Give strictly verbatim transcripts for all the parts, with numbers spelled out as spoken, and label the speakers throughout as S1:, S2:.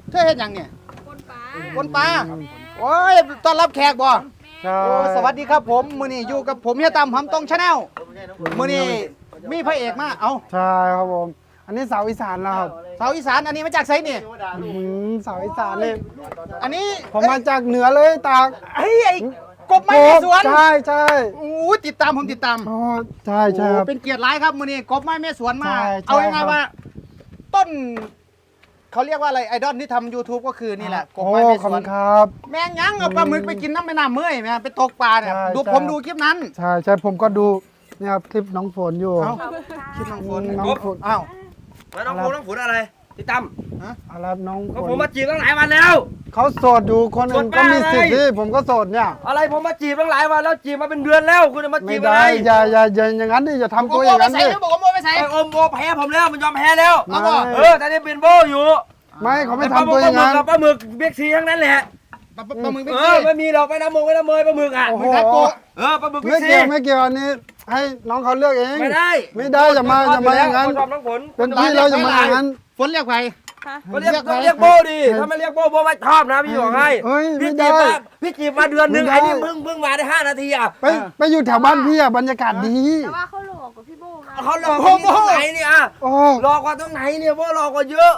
S1: เธอเห็นยังเนี่ย
S2: คนปลา
S1: คนปลาโอ้ยต้อนรับแขกบ่
S3: ใช่
S1: โอ้สวัสดีครับผมมื้อนี้อยู่กับผมเฮียตั้มหำตรงชาแนลมื้อนี้มีพระเอกมาเอ้า
S3: ใช่ครับผม อันนี้สาวอีสานนะครับ
S1: สาวอีสานอันนี้มาจากไสนี่
S3: อื้อหือสาวอีสานนี่
S1: อันนี้
S3: ผมมาจากเหนือเลยตาก
S1: เฮ้ยไอ้กบไม้แม่สวน
S3: ใช่ใช่
S1: โอ้ติดตามผมติดตาม
S3: อ๋อใช่ใช่ครับ
S1: โอ้เป็นเกียรติหลายครับมื้อนี้กบไม้แม่สวนมา
S3: ใช่ใช่
S1: เอายังไง
S3: ครับ
S1: ว่า ต้นเขาเรียกว่าอะไรไอดอลที่ทำ YouTube ก็คือนี่แหละกบ
S3: โอ้
S1: ไม้แม่
S3: ข
S1: ส
S3: อบ
S1: ว
S3: คุ
S1: น
S3: ณครับ
S1: แม่งยังเอาปลาหมึกไปกินน้ำแม่น้ำเมื่อยแม่ไปตกปลาเนี่ย
S3: ใช่
S1: ดู
S3: ใช่
S1: ผมดูคลิปนั้น
S3: ใช่ใช่ผมก็ดูเนี่ยครับคลิปน้องฝนอยู่
S1: เอ้าคลิปน้องฝน
S3: น้องฝน
S1: อ้าว
S4: แล้วน้องฟูน้องฝนอะไรพี่ตั้ม
S3: อะไรน้องฝ
S4: ก็
S3: น
S4: ผมมาจีบตั้งหลายวันแล้ว
S3: เขาโสดอยู่คนอื่นก็มีสิทธิ์ที่ผมก็โสดเนี่ย
S4: อะไรผมมาจีบตั้งหลายวันแล้วจีบมาเป็นเดือนแล้วคุณจะมา
S3: ไม่
S4: จีบอะไร
S3: ได้อย่าอย่าอย่าอย่างนั้นดิอย่าทำ
S1: บ
S3: ตั
S1: อก
S3: วอ
S1: ว่า
S3: ย่าง
S1: ไป
S3: นั้น
S1: ใส่
S3: ดิ
S1: แล้วบอกว่าไปใส่
S4: ไอ้อมโบแพ้ผมแล้วมันยอมแพ้แล้ว
S3: ไม่
S4: เออแต่นี่เป็นโบอยู่
S3: ไม่เขาไม่
S4: ปลา
S3: ทำตัวอย่างนั้น
S4: กับปลาหมึกเบกซีทั้งนั้นแหละ
S1: ปลาปลาหมึกไป
S4: เอ
S1: กิ
S4: อน ไม่มีหรอกไม่น้ำมงไม่น้ำเมยปลาหมึกอ่ะ
S3: โอ้โห
S1: ไม่ทักโกะ
S4: เออปลาหมึกเบ
S3: ไม่
S4: กซี
S3: เกี่ยวไม่เกี่ยวอันนี้ให้น้องเขาเลือกเอง
S4: ไม่ได้
S3: ไม่ได้อย่ามาอย่ามาอย่างนั้น
S4: ชอบน้องฝน
S3: เป็นพี่เราอย่ามาอย่างนั้น
S1: ฝนเรียกใคร
S4: ก็เรียก
S1: เรียก
S4: ก็
S1: ใคร
S4: เรียกโบดิถ้าไม่เรียกโบโบไม่ชอบนะพี่บอกให้
S3: เฮ้ยไม่
S4: พี่จี
S3: ได้
S4: บมาพี่จีบมาเดือนหนึง
S3: ไม่ได้
S4: ไอ้นี่เพิ่งเพิ่งมาได้ห้านาทีอ่ะ
S3: ไปไปอยู่แถวบ้านพี่อะบรรยากาศดี
S2: แต่ว่าเขาหลอกกับพี่โบมา
S4: เขาหลอกกันที่ตรงไหนเนี่ยอ่ะ
S3: โอ้
S4: หลอกกว่าตรงไหนเนี่ยโบหลอกกว่าเยอะ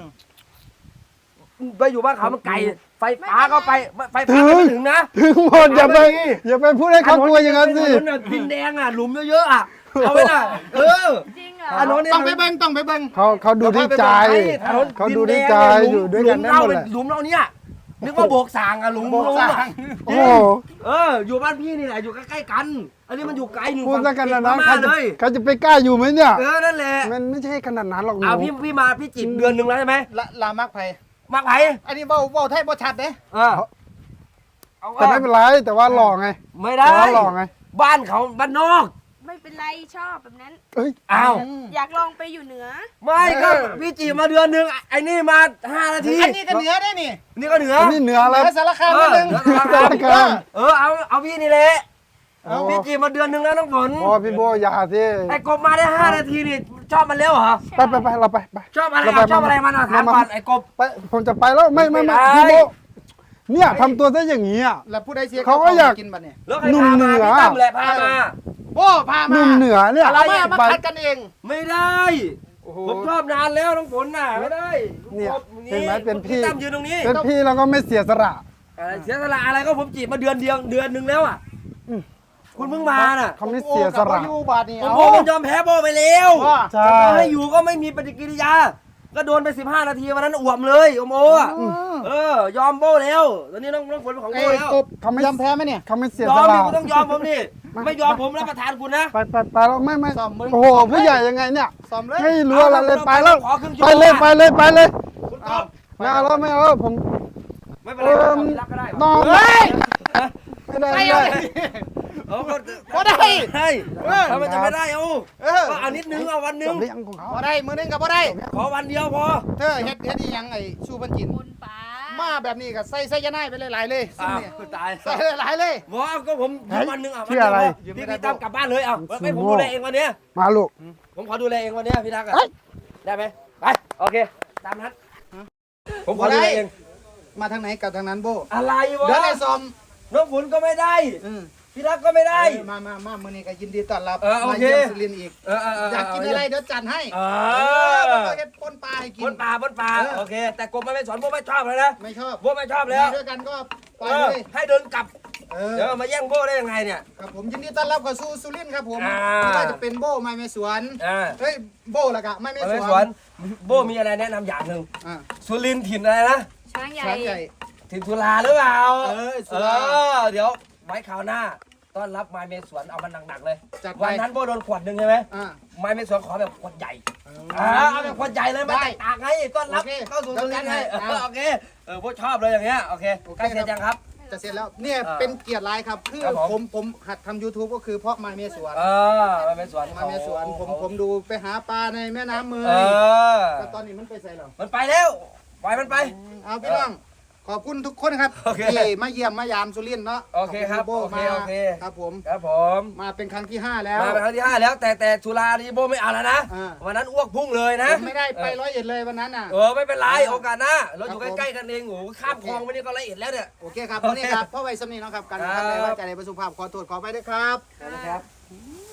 S4: ไปอยู่บ้านเขามันไกลไฟฟ้าก็ไปไฟฟ้าก็ไม่ถึงนะ
S3: ถึงหมดอย่าไปอย่าไปพูดให้เขากลัวอย่างนั้นสิ
S4: ถนนดินแดงอ่ะหลุมเยอะๆอ่ะเอาไว้น่ะเออ
S2: จริงเหรอ
S4: ถนนเนี่ย
S1: ต้องไปเบิ้งต้องไปเบิ้ง
S3: เขาเขาดูที่ใจ
S4: ถนน
S3: เขาดูที่ใจอยู่ด้วยกันได้หมดแหละ
S4: หลุมเราเนี่ยนึกว่าโบกสางอ่ะหลุม
S1: โบกสร้าง
S3: โอ้โห
S4: เอออยู่บ้านพี่นี่แหละอยู่ใกล้ๆกัน อันนี้มันอยู่ไกลหนึ่ง
S3: พูดแล้วกันนะนะ
S4: มา
S3: เขาจะ
S4: เลย
S3: เขาจะไปกล้าอยู่ไหมเนี่ย
S4: เออนั่นแหละ
S3: มันไม่ใช่ขนาดนั้นหรอกหนู
S4: เอาพี่พี่มาพี่จีบเดือนหนึ่งแล้วใช่ไหม
S1: ละลามักไผ
S4: มาไผ่
S1: อันนี้เว้าเว้าไทยบ่ชัดเด้
S4: เออเอา
S3: แต่ไม่เป็นไรแต่ว่าหล่อไง
S4: ไม่ได้
S3: แต่ว่าหล่อไง
S4: บ้านเขาบ้านนอก
S2: ไม่เป็นไรชอบแบบนั้น
S3: เอ้ย
S4: อ้าว
S2: อยากลองไปอยู่เหนือ
S4: ไม่ก็พี่จีบมาเดือนหนึ่งไอ้นี่มาห้านาที
S1: อันนี้ก็เหนือได้นี่
S4: นี่ก็เหนือ
S3: อันนี้เหนือ
S1: เหนื
S3: แล้ว
S1: อสารคาม
S4: เอ
S1: นิ
S4: อ
S1: ดนึง
S4: เหนือสารคาม เออเอาเอาพี่นี่แหละ
S3: โอ้
S4: พี่จีบมาเดือนหนึ่งแล้วน้องฝน
S3: โอ้พี่โบอย่าสิ
S4: ไอ้กบมาได้ห้านาทีนี่ชอบมันแล้วเหรอ
S3: ไปไปไปเราไปไป
S4: ชอบอะไร
S3: เราไป
S4: ชอบอะไรมันอ่ะถามก่อนไอ้กบ
S3: ไปผมจะไปแล้วไม่ไม่ไม่
S4: ไม่
S3: พี่
S4: ได้
S3: โบเนี่ยทำตัวซะอย่างนี้อ่ะ
S1: แล้วผู้ใดเสีย
S3: เขาก็อยาก
S1: กินบัดเนี่ย
S4: แล้วใคร
S3: หนุ่ม
S4: พา
S3: เหนื
S4: มา
S3: อ
S4: พี่ตั้มแหละพามา
S1: โอ้พา
S3: ห
S1: มา
S3: นุ่มเหนือเนี่ย
S1: เรามามา
S3: ไป
S1: คัดกันเอง
S4: ไม่ได้ผมชอบนานแล้วน้องฝนน่ะไม่ได้
S3: เนี่ย
S4: กบ
S3: เห็นไหมเป็นพี่
S4: ตั้มยืนตรงนี้
S3: เป็นพี่เราก็ไม่เสียสละ
S4: อะไรเสียสละอะไรก็ผมจีบมาเดือนเดียวเดือนหนึ่งแล้วอ่ะ
S3: อืม
S4: คุณเพิ่งมาน่ะ
S3: เขาไม่เสียสละ
S1: โอ้กับบ่อยู่บาดนี่
S4: ผม
S1: เอา
S4: โบมันยอมแพ้โบไปแล้ว
S1: ว่า
S3: ใช่
S4: จะให้อยู่ก็ไม่มีปฏิกิริยา ก็โดนไปสิบห้านาทีวันนั้นอ่วมเลยโอโมอ่ะ
S1: อืม
S4: เออยอมโบแล้วตอนนี้น้องน้องฝนเป็นของโบ
S1: เอ้ย
S4: แล้ว
S1: กบยอมแพ้ไหมเนี่ย
S3: เขาไม่เสีย
S4: ย
S3: ส
S4: อม
S3: ละ
S4: ดิคุณต้องยอมผมดิไม่ยอมผมรับประทานคุณนะ
S3: ไปไปไปแล้วไม่ไม่
S1: ซ่อมมึง
S3: โอ้โหผู้ใหญ่ยังไงเนี่ย
S1: ซ้อมเลย
S3: ไม่รู้อะไรเลยไปแล้ว
S4: ขอครึ่งชั่ว
S3: ไป
S4: โมง
S3: เลยไปเลยไปเลย
S4: คุณต
S1: เอา
S4: อบ
S3: ไม่เอาแล้วไม่เอาแล้วผม
S4: ไม่เป็นไรครับรักก็ได้
S3: นอน
S1: เฮ้ย
S3: ไม่ได้
S1: ไป
S3: ไม่
S1: เอา
S3: ได้
S1: เลย
S4: เอาก็
S1: บ่ได้
S4: ได้
S1: เออ
S4: ถ้ามันจะไม่ได้เอา
S1: เออ
S4: ก็เอานิดนึงเอาวันนึ
S3: จ
S4: ง
S3: บหรือยังของเขา
S1: บ่ได้มือนึงกับบ่ได้
S4: ขอวันเดียวพอ
S1: เธอเฮ็ดเฮ็ดอีหยังไอ้ชูบันจิน
S2: คนปลา
S1: มาแบบนี้ก็ใส่ใส่ยาไนายไปหลายๆเลยซุ่ม
S4: อ้าว
S1: เนี่ย
S4: ตาย
S1: ใส่หลายๆเลย
S4: บอกก็ผมวันนึงอ่ะ
S3: ชื่ออะไร
S4: พี่พี่ตั้มกลับบ้านเลยเอาไม่ผมดูแลเองวันเนี้ย
S3: มาลูก
S4: ผมขอดูแลเองวันเนี้ยพี่ทักษ์อะ
S3: เอ้ย
S4: ได้ไหมไปโอเคตามนั้นผมขอดูแลเอง
S1: มาทางไหนกับทางนั้นโบ
S4: อะไรวะ
S1: เดี๋ยวไอ้ซอม
S4: น้องฝนก็ไม่ได้
S1: อืม
S4: พี่ทักษ์ก็ไม่ได้
S1: เออมามามามื้อนี้ก็ยินดีต้อนรับ
S4: เออโอ
S1: มา
S4: เค
S1: เยี่ยมสุรินทร์อีก
S4: เออเออเออ
S1: อยากกินอะไรเดี๋ยวจัดให้
S4: เอ
S1: เออ
S4: อ
S1: เฮ็ดปนปลาให้กิ
S4: บ
S1: น
S4: นป่าบนป่า
S1: เออ
S4: โอเค แต่กบมันไม่สอนพวกไม่ชอบเลยนะ
S1: ไม่ชอบ
S4: พวกไม่ชอบแล้ว
S1: มีด้วยกันก็ไป
S4: เอ
S1: เล
S4: อย ให้เดินกลับ
S1: เออ
S4: เดี๋ยวมาแย่งโบ้ได้ยังไงเนี่ย
S1: ครับผมยินดีต้อนรับเข้าสู่สุรินทร์ครับผม
S4: อ่า
S1: ไม่ว่าจะเป็นโบไม้แม่สวน
S4: อ่า
S1: เฮ้ยโบละกะไม้แม่
S4: ไม่
S1: ส
S4: ส
S1: ว
S4: วน นโบ้มีอะไรแนะนำอย่างหนึ่ง
S1: อ่า
S4: สุรินทร์ถิ่นอะไรนะ
S2: ช้างใหญ่
S1: ช้างใหญ่
S4: ถิ่นสุราหรือเปล่า
S1: เออสุ
S4: เอ
S1: รา
S4: อเดี๋ยวไว้คราวหน้าต้อนรับไม้เมสวนเอามันหนักๆเลย
S1: จัดไป
S4: วันนั้นโบ้โดนขวดหนึ่งใช่ไหม
S1: อ่า
S4: ไม้เมสวนขอแบบขวดใหญ่
S1: เอ
S4: อ่าเอาแบบขวดใหญ่เลยไม่
S1: ได้
S4: แตกต่างไงต้อนรับ
S1: โอเค
S4: เข้าสู่สุรินทร์ไง
S1: เดี๋ยวจัดให้
S4: เออโอเคเออโบ้ชอบเลยอย่างเงี้ยโอเค
S1: โอเค
S4: ใกล้เสร็จยังครับ
S1: จะเสร็จแล้วเนี่ย
S4: เออ
S1: เป็นเกียรติหลายครับคือ
S4: ครับผม
S1: ผมผมหัดทำ YouTube ก็คือเพราะไม้แม่สวน
S4: เออไม้เมสวน
S1: ไม้แม่สวนผมผมดูไปหาปลาในแม่น้ำเม
S4: เอย อ
S1: แต่ตอนนี้มันไปใส่แล้ว
S4: มันไปแล้วปล่อยมันไป
S1: เอาพี่น้องขอบคุณทุกคนครับ
S4: โอเค
S1: ที่มาเยี่ยมมายามสุรินทร์เนาะ
S4: โอเคครับ
S1: ขณ
S4: โอเค
S1: มา
S4: โอเค
S1: ครับผม
S4: ครับผม
S1: มาเป็นครั้งที่ห้าแล้ว
S4: มาเป็นครั้งที่ห้าแล้วแต่แต่สุรานี่โบไม่เอาแล้วนะ
S1: อ่า
S4: วันนั้นอ้วกพุ่งเลยนะ
S1: ผมไม่ได้ไปร้อยเอ็ดเลยวันนั้นน่ะ
S4: เออไม่เป็นไรโอกาสหน้าเราอยู่
S1: ครับผม
S4: ใกล้ๆกันเองโอ้โหข้ามคลองไปนี่ก็ละเอียดแล้วเนี่ย
S1: โอเคครับวันนี้ครับพ่อไว้สำนีเนาะครับการ
S4: ครับ
S1: ทำในว่าใจในประสุภาพขอโทษขอไปด้วยครับ
S4: นะครับ